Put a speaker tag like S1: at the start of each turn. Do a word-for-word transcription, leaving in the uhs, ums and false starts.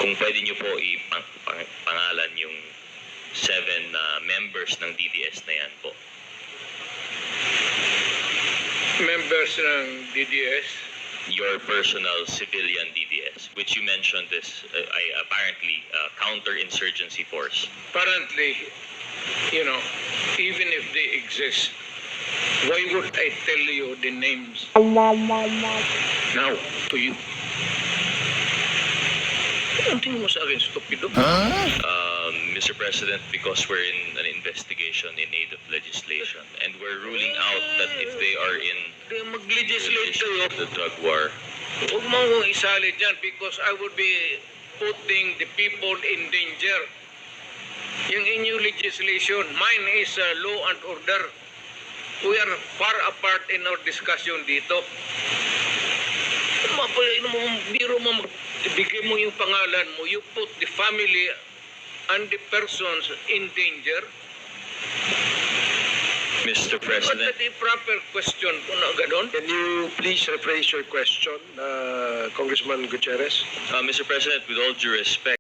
S1: Kung pwede niyo po ipangalan yung seven uh, members ng D D S na yan po.
S2: Members ng D D S,
S1: Your personal civilian D D S, which you mentioned is uh, I, apparently uh, counter-insurgency force.
S2: apparently, you know, even if they exist, why would I tell you the names now to you? Ang tingin mo sa akin, stupido?
S1: Um, Mister President, because we're in an investigation in aid of legislation and we're ruling out that if they are in
S2: Di mag-legislate kayo.
S1: the drug war,
S2: Huwag mo akong isali dyan because I would be putting the people in danger. Yung inyong legislation, mine is uh, law and order. We are far apart in our discussion dito. Mapalay mo, biro mo, ibigay mo yung pangalan mo, you put the family and the persons in danger.
S1: Mister
S2: But
S1: President,
S2: the proper question kung na ganon.
S3: Can you please rephrase your question, uh, Congressman Gutierrez?
S1: uh, Mister President, with all due respect,